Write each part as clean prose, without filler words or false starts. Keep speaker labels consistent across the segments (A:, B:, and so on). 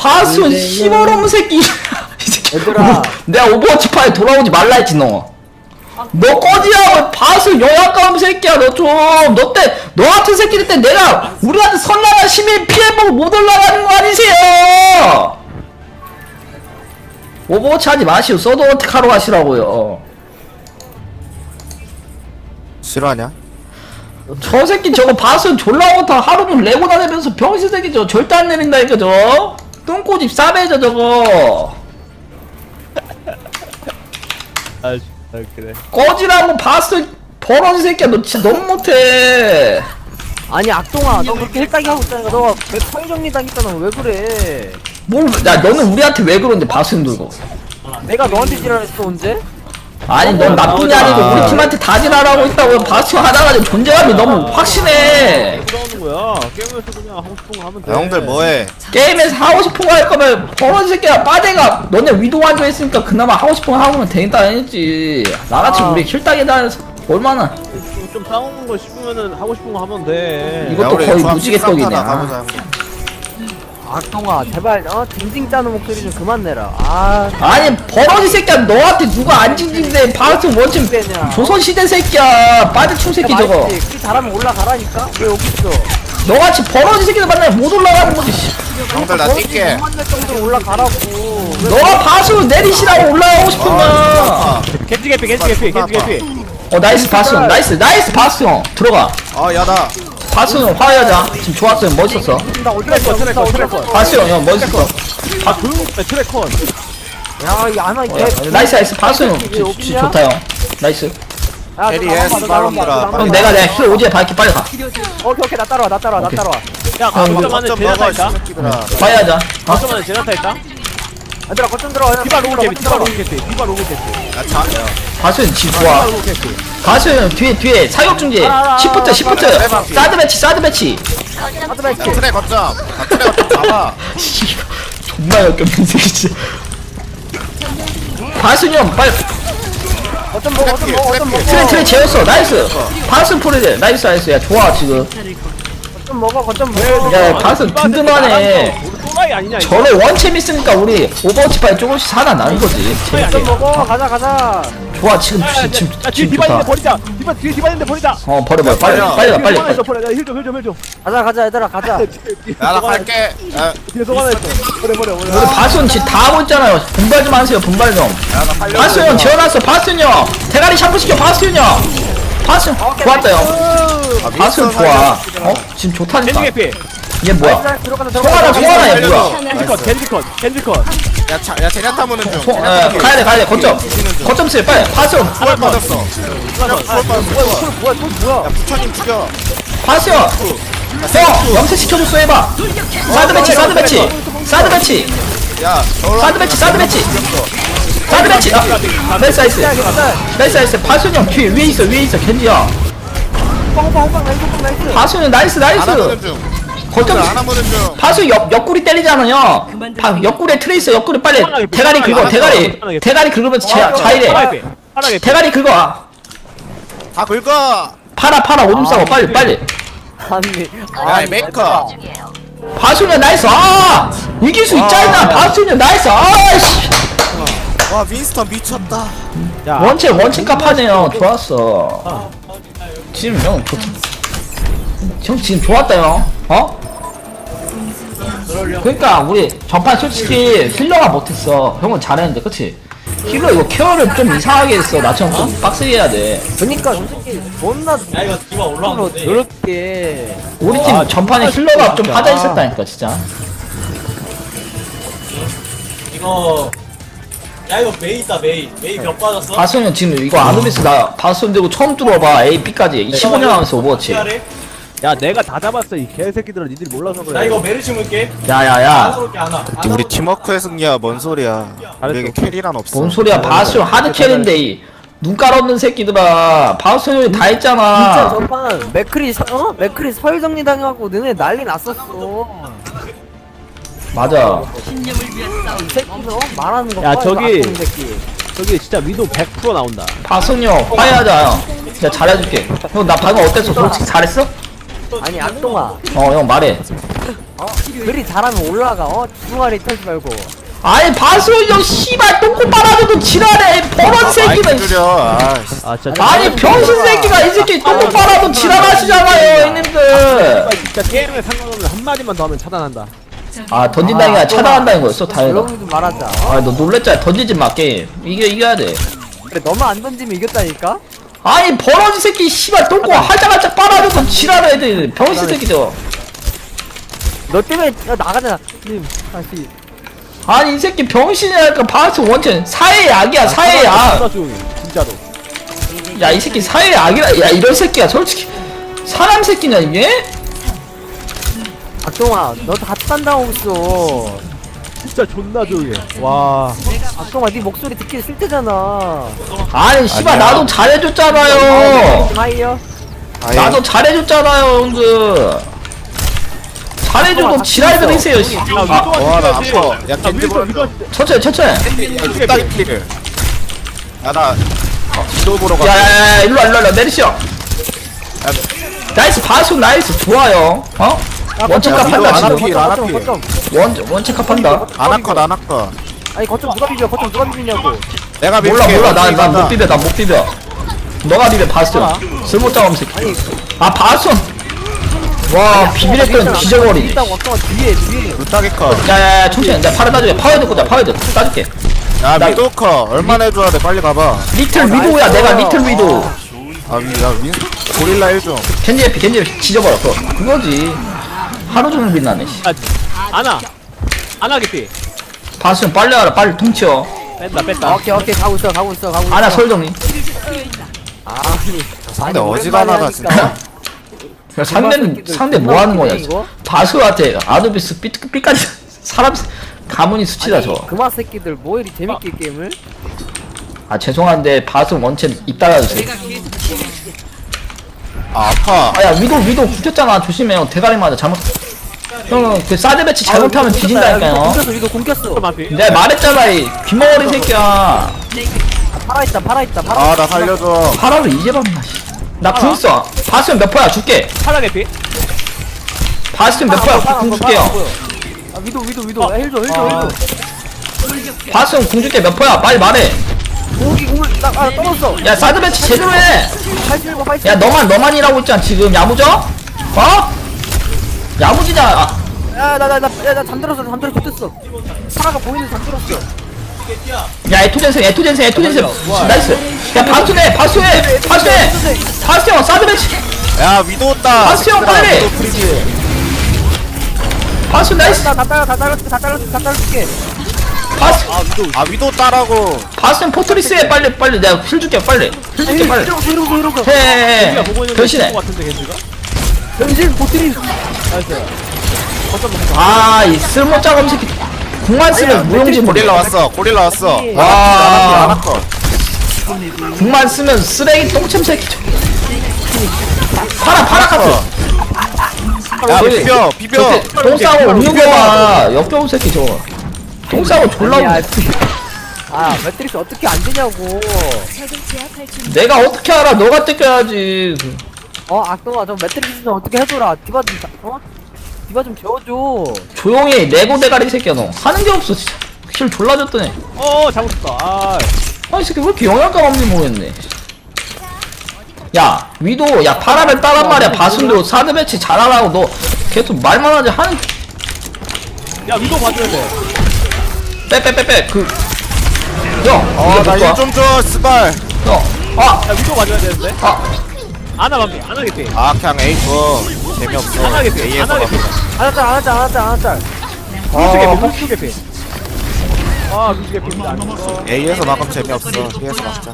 A: 바스온 씨발놈 새끼. 이 새끼.
B: 얘들아.
A: 내가 오버워치 파에 돌아오지 말라 했지 너. 너 꺼지야. 바스온 영악감 새끼야. 너 좀. 너 같은 새끼들 때 내가 우리한테 선량한 시민 피해보고 못 올라가는 거 아니세요? 오버워치 하지 마시오. 서드 어택 하러 가시라고요.
C: 싫어하냐?
A: 저 새끼 저거 바스온 졸라 못하 하루는 레고 다니면서 병신 새끼 저 절대 안 내린다니까 저. 똥꼬집 싸매져 저거.
D: 아 그래.
A: 꺼지라고 바스온 버러지 새끼야. 너 진짜 너무 못해.
B: 아니 악동아 너 그렇게 헬딱이 하고 있다니까 너가 사회정리 당했잖아 왜 그래
A: 야 너는 우리한테 왜 그러는데 바스온 들고.
B: 내가 너한테 지랄했어 언제?
A: 아니 넌 나쁜 게 아니고 우리 팀한테 다 지랄하고 있다고. 바스온 하다가 존재감이 너무 확신해.
D: 그러는 거야. 게임에서 그냥 하고 싶은 거 하면 돼.
C: 야, 형들 뭐해?
A: 게임에서 하고 싶은 거 할 거면 버러지 새끼야. 빠데가 너네 위도 완주 했으니까 그나마 하고 싶은 거 하고는 되겠다 했지. 나같이 우리 킬따기 다해서 얼마나.
D: 좀 싸우는 거 싶으면은 하고 싶은 거 하면 돼.
A: 이거- 이것도
C: 우리
A: 거의
C: 조합
A: 무지개떡이네.
C: 식사하다 가보자.
B: 악동아 제발 징징 짜는 목소리 좀 그만 내라 아
A: 아니 버러지 새끼야. 너한테 누가 안 징징대. 바스온 원팀 조선시대 새끼야. 빠데충 새끼 저거.
B: 그 잘하면 올라가라니까 왜 여기 있어
A: 너같이 버러지 새끼들 만나면 못 올라가는 거지. 씨.
C: 형들 나 뛸게.
B: 못 만날 정도로 올라가라고 왜
A: 너가 바스온 내리시라고 올라가고 싶으면.
D: 겐지 개피.
A: 나이스 바스온. 나이스 바스온. 들어가.
C: 야다.
A: 바스온 화해하자. 지금 좋았어요. 멋있었어.
B: 나 어디 갔어
D: 트래커.
A: 바스온 형 멋있었어.
D: 아 조용히 해 트래커.
B: 야이 안와
A: 나이스 바스온 좋다 형. 나이스.
C: 캐리해, 스파롱들아.
A: 형 내가 힐 오지에 밝게 빨리 가.
B: 오케이 나 따라와
D: 야 거점 안에
C: 거점
D: 제나타
C: 먹어,
D: 있다.
C: 새끼들아.
A: 화해하자.
D: 거점 안에 제나타 있다.
B: 얘들아 거점 들어와
D: 디바 로그 개피. 디바 로그 개피.
C: 야,
A: 바스온 지금 좋아. 바스온 뒤에 사격 중지. 시프트 사드 배치.
C: 야, 트랙 거점. 트랙 거점 잡아.
A: 존나 역겹는 새끼 진짜. 바스온 형 빨리.
B: 거점 먹어
A: 트레 재웠어. 나이스. 바스온 포레드. 나이스. 야 좋아 지금.
B: 거점 먹어
A: 야 바스온 든든하네.
D: 우리 또라이 아니냐 이거.
A: 저래 원챔 있으니까 우리 오버워치 파에 조금씩 살아 나는 거지.
B: 거점 먹어 가자
A: 좋아 지금
D: 야, 뒤에
A: 지금
D: 디바 있는데
A: 좋다.
D: 버리자. 뒤에 디바 있는데 버리자.
A: 버려 빨리.
D: 버려. 힐 좀.
B: 가자 얘들아 가자
C: 야, 나 갈게. 야,
D: 뒤에서 하나 있어. 버려.
A: 우리 바스온 지금 다 하고 있잖아요. 분발 좀 하세요. 분발 좀.
C: 나 살려.
A: 바스온 형 재워놨어. 바스온 형 대가리 샴푸 시켜. 바스온 형. 바스온 좋았다 형. 바스온 좋아. 지금 좋다니까.
D: 겐지 개피.
A: 얘 뭐야?
B: 들어가자
A: 송하나 얘 뭐야?
D: 겐지 컷.
C: 야, 제냐타 무는 중.
A: 가야돼. 거점 쓸 빨리. 바스온.
C: 하나 빠졌어.
B: 뭐야
C: 야, 부처님 죽여.
A: 바스온. 형 염색 시켜줬어 해봐. 사드 배치.
C: 야,
A: 사드 배치. 나이스. 바스온 형 뒤에 위에 있어. 겐지야.
B: 호빵 나이스
A: 바스온 형 나이스.
C: 하나 무는 중.
A: 거점
C: 하나 무는 중.
A: 바스 옆구리 때리잖아요. 옆구리에 트레이서 옆구리 빨리 대가리 긁어. 대가리 긁으면서 자이래. 대가리 긁어.
C: 다 긁어.
A: 팔아 오줌 싸고 빨리.
C: 야, 메이커.
A: 바스냐 나이스. 이길 수 있잖아. 바스냐 나이스. 아이씨.
C: 와, 윈스턴 미쳤다.
A: 원체 값하네요. 좋았어. 지금 형 지금 좋았다 형. 그러니까 우리 전판 솔직히 힐러가 못했어. 형은 잘했는데 그치? 힐러 이거 케어를 좀 이상하게 했어. 나처럼 좀 빡세게 해야 돼.
B: 그니까 솔직히 존나
E: 이거 디바 올라왔는데
B: 더럽게
A: 우리 팀 전판에 힐러가 좀 빠져 있었다니까 진짜.
E: 이거 야 이거 메이 있다 메이 몇 빠졌어?
A: 바스는 지금 이거 아누비스 나 바스 들고 처음 들어봐. A, B까지 15년 하면서 오버워치.
D: 야 내가 다 잡았어 이 개새끼들아. 니들이 몰라서 그래.
E: 나 이거 메르시 물게
A: 야야야.
E: 안으로게 안와
C: 우리 팀워크의 승리야. 뭔 소리야. 우리에게 캐리란 없어.
A: 뭔 소리야. 바스 하드 캐리인데 이 눈깔 없는 새끼들아. 바스 형이 다
B: 진짜
A: 했잖아.
B: 전판 맥크리 서유정리 당해갖고 너네 난리 났었어
A: 맞아.
B: 이 새끼도 말하는 거
D: 야,
B: 봐,
D: 저기.
B: 이거 악동 새끼.
D: 저기 진짜 위도 100% 나온다.
A: 바스 형 화해하자 형. 내가 잘해줄게. 형 나 방금 어땠어? 솔직히 잘했어?
B: 아니 악동아
A: 형 말해.
B: 그리 잘하면 올라가. 중아리 털지 말고.
A: 아니 바스형 씨발 똥꼬 빨아줘도 지랄해 버런
C: 마이크
A: 새끼는.
C: 줄여.
D: 아 진짜
A: 아니 병신 새끼가 이 새끼 똥꼬 빨아도 지랄하시잖아요 형님들.
D: 진짜 게임에 상관없는 한마디만 더 하면 차단한다.
A: 아 던진다는 게 아니라 차단한다는 거였어 다행이다.
B: 조용히 좀 말하자.
A: 아 너 놀랬잖아. 던지지 마 게임. 이겨야 돼.
B: 그래 너만 안 던지면 이겼다니까?
A: 아니 버러지 새끼 씨발 똥꼬 할짝할짝 빨아줘도 지랄해 애들 병신 새끼죠.
B: 너 때문에 나가잖아. 님 다시.
A: 아니 이 새끼 병신이랄까. 바스 원천 사회 약이야 사회 약.
D: 존나 조용히 진짜로.
A: 야 이 새끼 사회 약이라. 야 이런 새끼야 솔직히 사람 새끼냐 이게?
B: 박동아 너 다 딴다고 있어.
D: 진짜 존나 조용해. 와.
B: 박동아 네 목소리 듣기 싫대잖아.
A: 아니 씨발
C: 아니야.
A: 나도 잘해줬잖아요.
B: 하이요.
C: 아예
A: 나도 잘해줬잖아요 형들. 잘해줘도 지랄 들이세요 씨.
D: 야
C: 와, 나
D: 위도
C: 아파. 야,
D: 야
C: 겐지
D: 위도
C: 보는다.
D: 위도
A: 천천히
C: 딱이 필. 야나 지도 보러 가.
A: 야야야 일로와 내리시오. 나이스 바수 나이스 좋아요. 원체값
C: 위도
A: 한다
C: 안
A: 지금.
C: 할게.
B: 거점.
A: 원체값 한다.
C: 아나컷.
B: 아니 거점 누가 비벼? 거점 누가 비비냐고.
C: 내가
A: 몰라
C: 밀게.
A: 난 못 비벼 난 못 비벼. 너가 비벼 바스. 쓸모짱 새끼.
B: 아니
A: 아 바스. 와 비비랬던 기저거리.
B: 일단 박동아 뒤에.
C: 루타기 컷.
A: 야야야 천천히 내가 파라 따줄게. 파워드 꽂자 파워드 따줄게.
C: 야
A: 나-
C: 위도 컷. 얼마나 해줘야 돼? 빨리 가봐.
A: 리틀 위도우야 내가 리틀 위도우.
C: 야 고릴라 1종.
A: 겐지 에피 지져버려 그거지. 하루 종일 빛나네 씨.
D: 안하 깊이.
A: 바스는 빨리 와라 빨리 통치어.
D: 뺐다.
B: 오케이 가고 있어.
A: 아나 설정리.
B: 아니
C: 상대 어지간하다 진짜.
A: 야, 상대 뭐 하는 거냐
B: 이거?
A: 바스한테 아누비스 삐까지 사람 가문이 수치다 저.
B: 그마 새끼들 뭐 이리 재밌게 게임을?
A: 아 죄송한데 바스 원체 입 닫아주세요.
C: 아 아파.
A: 아야 위도 굽혔잖아 조심해요. 대가리 맞아 잘못. 형 그 사드 배치 잘못하면 뒤진다니까요.
B: 공겼어 이거 공겼어.
A: 내가 말했잖아 이 귀머거리 새끼야.
B: 팔아있다.
C: 아 나 살려줘.
A: 파라를 이제 봤나 씨. 나궁 써. 바스면 몇 퍼야 줄게.
D: 하나 깊이.
A: 바스면 몇 퍼야 궁 줄게요.
B: 아 위도 야, 힐줘
A: 바스면 궁 줄게 몇 퍼야 빨리 말해.
B: 공을 나 떨었어.
A: 야 사드 배치 제대로 해.
B: 팔
A: 야 너만 일하고 있잖아 지금 야무져? 야무지냐.
B: 야나 잠들었어 붙었어. 사라가 보이는 잠들었어.
A: 야 에토젠생 나이스. 야 바수해 형 사드 배치.
C: 야 위도 온다.
A: 바스 형, 빨리!
C: 위도 프리지.
A: 바수 나이스.
B: 다 잘라줄게.
C: 아 위도 따라고.
A: 바스는 포트리스해 빨리 내가 힐 줄게 빨리.
B: 이러고.
A: 해.
D: 겐지가 보고 있는
A: 변신해.
D: 것 같은데 겐지가.
B: 변신 보트리.
D: 나이스.
A: 아이 쓸모짜검 새끼. 궁만 쓰면 무용지
C: 고릴라
A: 모릴라.
C: 왔어.
A: 와.
C: 아나컷.
A: 궁만 쓰면 쓰레기 똥침 새끼. 파라 카트.
C: 야
A: 저기,
C: 비벼.
A: 똥 싸고 없는 거야. 역겨운 새끼 저거. 똥 싸고 졸라 웃네.
B: 매트릭스 어떻게 안 되냐고.
A: 내가 어떻게 알아? 너가 뜯겨야지.
B: 악동아 저 매트릭스 좀 어떻게 해줘라. 디바 좀 재워줘.
A: 조용히 레고 대가리 새끼야 너. 하는 게 없어 진짜. 힐 졸라 줬더니.
D: 잘못했다.
A: 아이 새끼 왜 이렇게 영양감 없니 모르겠네. 야 위도 야 파라를 따란 말이야. 바순도 사드 배치 잘하라고 너 계속 말만 하지 하는.
D: 야 위도 봐줘야 돼.
A: 빼 그. 형
C: 나
A: 이거
C: 일 좀 줘. 스발.
A: 아
D: 야 위도 봐줘야 되는데. 안하 반피. 안하 깊이.
C: 아 그냥 A 줘. 재미없어.
D: 안하 깊이.
C: A에서
D: 안하 깊이.
B: 안았짤.
D: 루슈 깊이. 루슈 깊이.
C: A에서 막으면 재미없어. B에서 막자.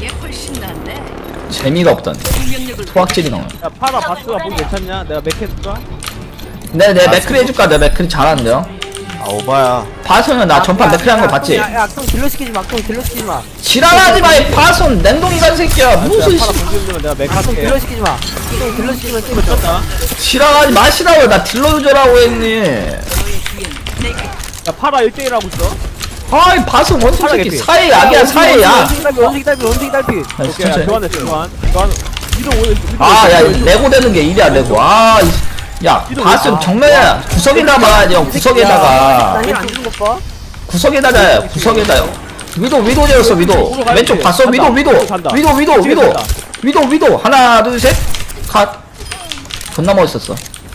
A: 재미가 없다니. 토악질이 나와.
D: 야 파라 바스가 보기 괜찮냐? 내가 맥 해줄까?
A: 내 맥크리 해줄까? 내 맥크리 잘하는데요.
C: 아 오바야.
A: 바순은 나 전판 맥크리 한 거 봤지?
B: 야 악동 딜러 시키지 마.
A: 지랄하지 마. 이 바순 냉동이간 새끼야. 무슨
D: 파라
A: 씨.
D: 공격이면 내가 맥
B: 악동
D: 할게.
B: 딜러 시키지 마. 악동 딜러 시키면 좀
D: 쳤다.
A: 지랄하지 마시라고. 나 딜러 유저라고 했니.
D: 야 파라 1대1 하고 있어.
A: 아이 바순 원숭이 새끼.
D: 개피.
A: 사회 약이야 사회 약.
B: 원숭이 달피.
A: 아이,
D: 오케이 야
A: 천천히.
D: 교환했어 교환. 위도 오늘
A: 아, 야, 레고 되는 게 일이야, 레고. 아, 야 바스 정면에 구석에다가 형 구석에다가
B: 나힐안 주는 것 봐.
A: 구석에다가 구석에다요. 위도 되었어 위도. 왼쪽 봤어 위도 하나 둘 셋 컷. 존나 멋있었어.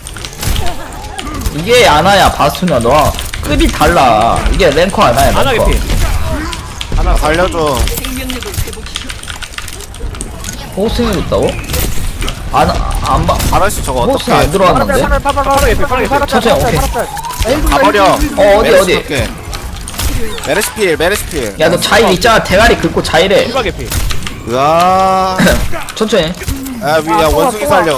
A: 이게 아나야 바스냐 너 급이 달라. 이게 랭커 아나야
D: 안
A: 랭커.
D: 하겠지.
C: 하나 살려줘.
A: 호스팅을 했다고? 안 봐.
C: 파라씨 저거
A: 호스팅
C: 어떻게
A: 안 들어왔는데? 천천히, 오케이.
C: 가버려.
A: 어디?
C: 메르시필.
A: 야 너 자일 있잖아. 대가리 긁고 자일해.
D: 디바 개피.
C: 으아.
A: 천천히.
C: 야 원숭이 살려.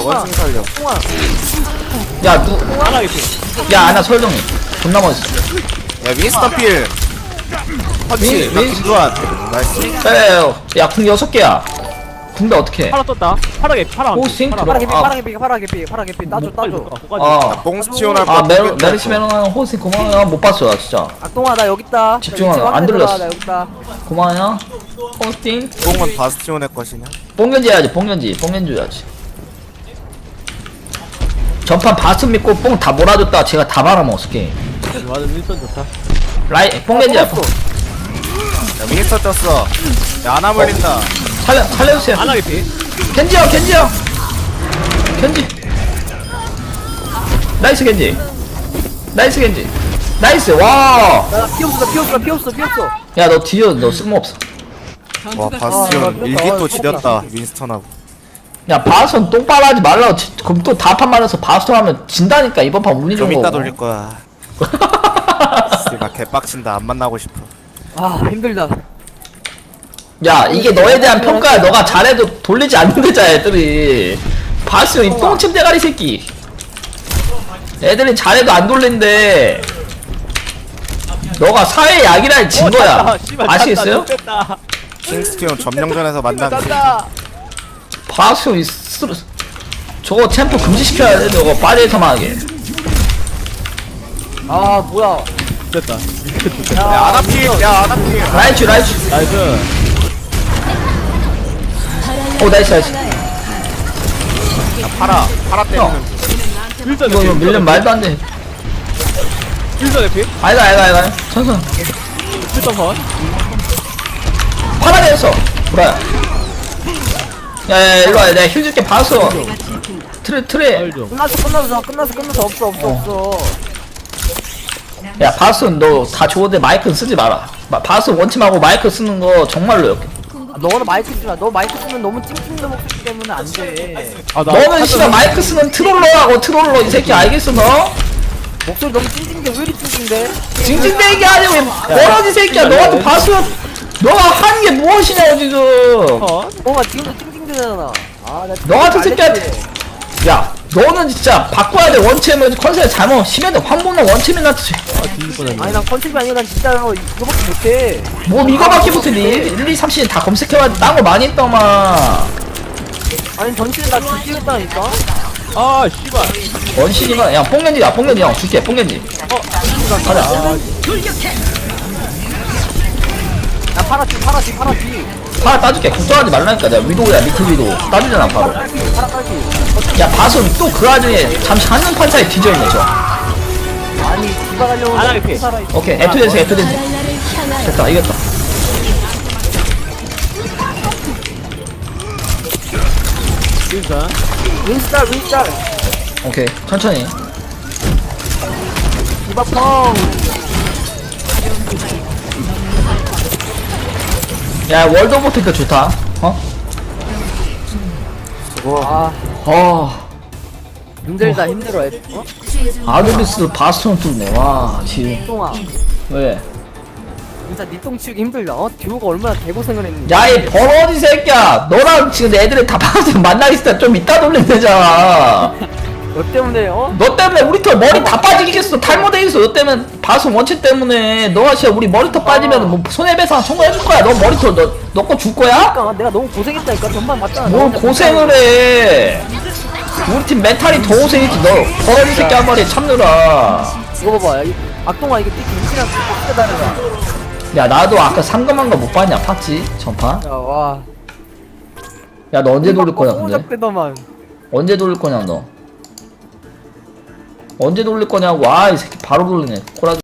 A: 야
D: 하나 개피.
A: 아나 설정이. 존나 멋있어.
C: 야 윈스턴 필. 펀치. 김두한. 나이스.
A: 빼요. 야궁 6개야. 궁대 어떻게?
D: 파라 떴다. 파라 개피. 파라.
A: 호스팅
D: 파라.
A: 들어.
B: 파라개피 따줘.
C: 뽕스 치원할
A: 아
C: 거.
A: 메르시 메롱하는 호스팅 고마워요. 못 봤어 나 진짜.
B: 악동아 나 여기 있다.
A: 집중하라.
B: 나
A: 안
B: 이제
A: 들렸어.
B: 확인해봐, 나 여기 있다.
A: 고마워요. 호스팅.
C: 뽕은 바스티온의 것이냐?
A: 뽕견지 해야지. 뽕견지 줘야지. 전판 바스 믿고 뽕 다 몰아줬다. 제가 다 말아먹었어 게임.
D: 맞아 윈스턴 좋다.
A: 라이 뽕견지야.
C: 야 윈스턴 떴어. 야 하나 물린다.
A: 살려주세요.
D: 하나 개피.
A: 겐지. 나이스 겐지. 나이스. 와.
B: 나 피없어.
A: 야 너 뒤져. 너 쓸모없어.
C: 와 바스티온 일기토 지렸다 윈스턴하고.
A: 야 바스턴 똥빨하지 말라고. 그럼 또 다판 맞아서 바스턴 하면 진다니까. 이번 판 운이
C: 좀
A: 좋은
C: 이따
A: 거고.
C: 돌릴 거야. 씨발 개빡친다. 안 만나고 싶어.
B: 아 힘들다.
A: 야 이게 너에 대한 평가야. 너가 잘해도 돌리지 않는데자 애들이. 바스턴 이 똥침 대가리 새끼. 애들이 잘해도 안 돌린대. 너가 사회 약이라 진 거야. 아시겠어요?
D: 뺐다.
C: 킹스티온 점령전에서 만난
A: 바스턴 이 저거 챔프 금지시켜야 돼. 저거 빠지에서만 하게.
B: 아 뭐야.
D: 됐다.
C: 야 아나필.
A: 라이츠.
D: 나이스.
A: 오 나이스.
C: 파라 때리는
D: 윈스턴
A: 이거
D: 개피.
A: 밀면 말도 안 돼.
D: 윈스턴 개피.
A: 아니다. 천선.
D: 윈스턴 선.
A: 파라데였어. 뭐야? 야 일로와. 내가 힐 줄게. 봤어. 트레.
D: 알죠.
B: 끝났어. 없어.
A: 야 바스는 너 다 좋은데 마이크는 쓰지 마라. 바스 원침하고 마이크 쓰는 거 정말로 역해.
B: 너는 마이크 쓰라. 너 마이크 쓰면 너무 찡찡대 목소리 때문에 안 돼.
D: 아,
A: 너는 씨발 마이크 쓰면 트롤러 이 새끼 알겠어 너?
B: 목소리 너무 찡찡대. 왜 이리 찡찡대?
A: 징징대는 게 아니고 뭐라지 새끼야. 너한테 바스 너가 하는 게 무엇이냐고 지금.
B: 뭔가 지금도 찡찡대잖아. 아나
A: 너 같은 새끼한테. 야 너는 진짜 바꿔야 돼. 원챔은 컨셉 잘못 심해도 황봉랑 원챔이나
B: 아니 난 컨셉이 아니라 난 진짜로 이거밖에 못해.
A: 뭐 이거밖에 못해. 1, 2, 3, 4 다 검색해봐. 딴 거 많이 했더만.
B: 아니 전체는 나 뒤지겠다니까.
D: 아 씨발.
A: 원신이가 야 뽕겐지야 형 줄게. 뽕겐지 가자.
B: 야 파라지.
A: 파라 따줄게. 걱정하지 말라니까. 내가 위도우야. 밑에 위도우 따주잖아 바로. 야 바순 또 그 와중에 잠시 한눈 판사에 뒤져있네 저.
B: 아니 디바 가려고
D: 안 하겠지.
A: 오케이 F-댄스 됐다. 이겼다.
D: 윈스턴.
B: 윈스tar.
A: 오케이 천천히.
B: 디바 펑.
A: 야 월드 오브 탱크 좋다.
B: 힘들다 힘들어. 어?
A: 아누비스 바스톤 뚫네. 와 지금
B: 똥아.
A: 왜?
B: 진짜 니똥 치우기 힘들다. 듀오가 얼마나 개고생을 했는데.
A: 야 이 버러지 새끼야. 너랑 지금 애들이 다 바스톤 만나있을 때 좀 이따 돌리면 되잖아.
B: 너 때문에
A: 너 때문에 우리 털 머리 다 빠지겠어. 탈모돼 있어. 너 때문에 바스 원체 때문에. 너가 진짜 우리 머리털 빠지면 뭐 손해배상 청구해줄 거야. 너 머리털 너 거 줄 거야?
B: 그러니까 내가 너무 고생했다니까. 전반 맞잖아.
A: 뭘 고생을 해. 우리 팀 멘탈이 더 고생했지. 너 버러지 새끼 한 마리 참느라.
B: 이거 봐봐. 악동아 이게 띠 김치랑 딱 다르다.
A: 야 나도 아까 상금한 거 못 봤냐? 팠지 전판.
B: 야 와.
A: 야 너 언제 돌릴 거냐 근데?
B: 만
A: 언제 돌릴 거냐 너? 언제 돌릴 거냐고. 아 이 새끼 바로 돌리네. 코라